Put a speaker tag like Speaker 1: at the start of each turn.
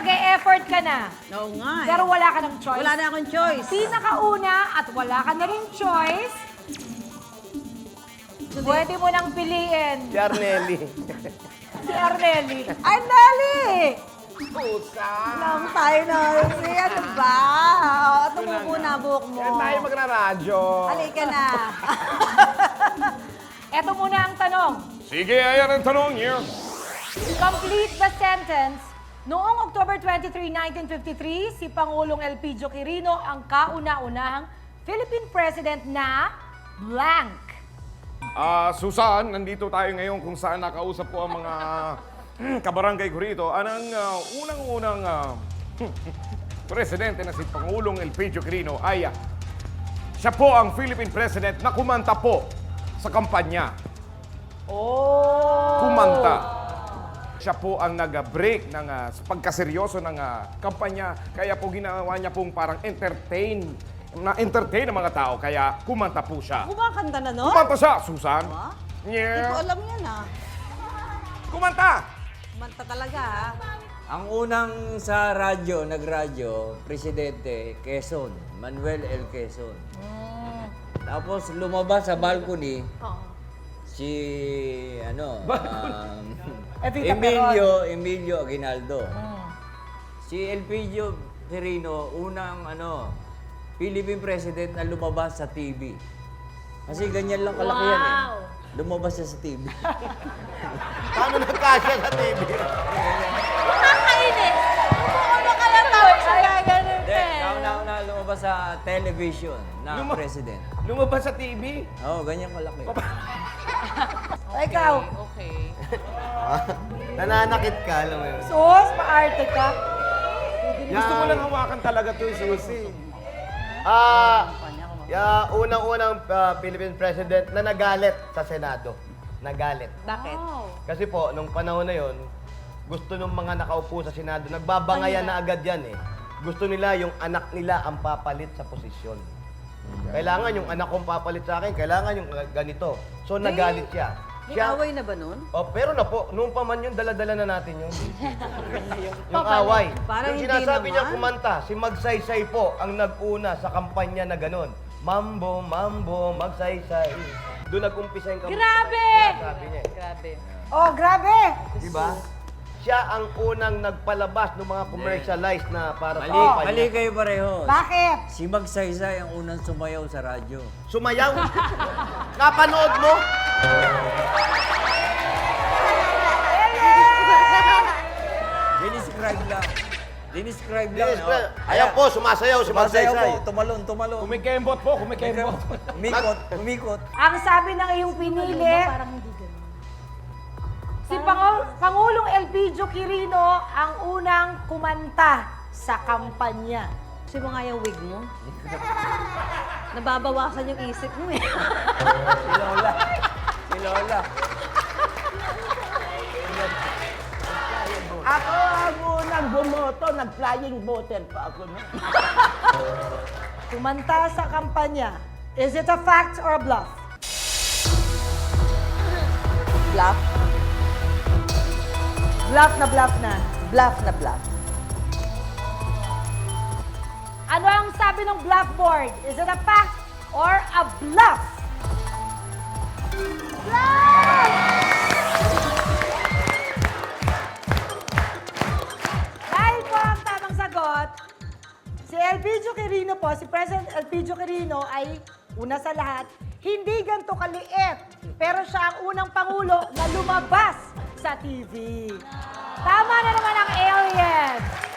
Speaker 1: nag-e-effort ka na.
Speaker 2: Oo nga eh.
Speaker 1: Pero wala ka ng choice.
Speaker 2: Wala na akong choice.
Speaker 1: Pinakauna at wala ka na rin choice, pwede mo nang piliin
Speaker 3: Si Arnelli.
Speaker 1: si Arnelli.
Speaker 2: Arnelli!
Speaker 3: Pusa!
Speaker 2: Lang tayo na. Ano ba? Tumuko na buhok mo.
Speaker 3: Yan tayo magraradyo.
Speaker 2: Halika na.
Speaker 1: Eto muna ang tanong.
Speaker 3: Sige, ayan ang tanong niyo.
Speaker 1: Complete the sentence. Noong October 23, 1953, si Pangulong Elpidio Quirino ang kauna-unahang Philippine President na blank.
Speaker 3: Susan, nandito tayo ngayon kung saan nakausap ko ang mga kabarangay ko rito. Anong unang-unang presidente na si Pangulong Elpidio Quirino ay siya po ang Philippine President na kumanta po sa kampanya.
Speaker 1: Oh!
Speaker 3: Kumanta. Siya po ang nag-break ng pagkaseryoso ng kampanya. Kaya po ginawa niya pong parang na-entertain ang mga tao. Kaya kumanta po siya.
Speaker 2: Kumakanta na, no?
Speaker 3: Kumanta siya, Susan.
Speaker 2: Ba? Hindi
Speaker 3: Yeah.
Speaker 2: ko alam yan, ah.
Speaker 3: Kumanta!
Speaker 2: Kumanta talaga, ha?
Speaker 4: Ang unang sa radyo, nagradyo, Presidente Quezon, Manuel L. Quezon. Tapos lumabas sa balcony, si
Speaker 1: Evita
Speaker 4: Emilio Aguinaldo. Si Elpidio Quirino, unang Philippine President na lumabas sa TV. Kasi ganyan lang kalaki yan eh. Lumabas siya sa TV.
Speaker 3: Paano nagkasya sa TV?
Speaker 2: Nakakainis! Ano kaya tawag sa ganun
Speaker 4: Hindi, kauna-una lumabas sa television na president.
Speaker 3: Lumabas sa TV?
Speaker 4: Oo, ganyan kalaki.
Speaker 1: Ikaw,
Speaker 5: Okay.
Speaker 6: Nananakit ka, alam mo yun.
Speaker 1: sus, paarte ka.
Speaker 3: Gusto ko lang hawakan talaga to, Susie.
Speaker 6: Unang-unang Philippine President na nagalit sa Senado. Nagalit.
Speaker 2: Bakit?
Speaker 6: Kasi po, nung panahon na yon, gusto ng mga nakaupo sa Senado, nagbabangayan na agad yan eh. Gusto nila yung anak nila ang papalit sa posisyon. Kailangan yung anak kong papalit sa akin, kailangan yung ganito. So nagalit siya.
Speaker 2: May away na ba nun?
Speaker 6: Oh, pero na po, noong pa man yun, dala-dala na natin yun. Yung away.
Speaker 2: Parang
Speaker 6: Yung
Speaker 2: hindi
Speaker 6: sinasabi niya
Speaker 2: naman.
Speaker 6: kumanta, si Magsaysay po ang nag-una sa kampanya na ganun. Mambo, mambo, magsaysay. Doon nag-umpisa yung kampanya.
Speaker 1: Grabe!
Speaker 6: Sabi niya.
Speaker 5: Grabe.
Speaker 1: Oh, grabe!
Speaker 6: Diba? Siya ang unang nagpalabas ng mga commercialized na para sa
Speaker 4: Mali,
Speaker 6: kampanya.
Speaker 4: mali kayo pareho.
Speaker 1: Bakit?
Speaker 4: Si Magsaysay ang unang sumayaw sa radyo.
Speaker 6: Sumayaw. Napanood mo?
Speaker 4: Dinescribe lang. Dinescribe lang.
Speaker 6: Yes, ayan po, sumasayaw si
Speaker 4: Sumasayaw
Speaker 6: Magsaysay.
Speaker 4: po, tumalon, tumalon.
Speaker 3: Kumikembot po, kumikembot.
Speaker 4: Umikot, umikot.
Speaker 1: Ang sabi ng iyong pinili, si Pangulong Elpidio Quirino ang unang kumanta sa kampanya.
Speaker 2: Gusto mo nga yung wig mo? Nababawasan yung isip mo eh.
Speaker 4: Si Lola. Si Lola.
Speaker 7: Ako ang unang bumoto, nag-flying voter pa ako. No?
Speaker 1: Kumanta sa kampanya. Is it a fact or a bluff?
Speaker 2: Bluff?
Speaker 1: Bluff na bluff na.
Speaker 2: Bluff na bluff.
Speaker 1: Ano ang sabi ng blackboard? Is it a fact or a bluff? Bluff! Dahil po ang tamang sagot, si Elpidio Quirino po, si President Elpidio Quirino ay una sa lahat, hindi ganito kaliit. Pero siya ang unang pangulo na lumabas sa TV. Tama na naman ang alien.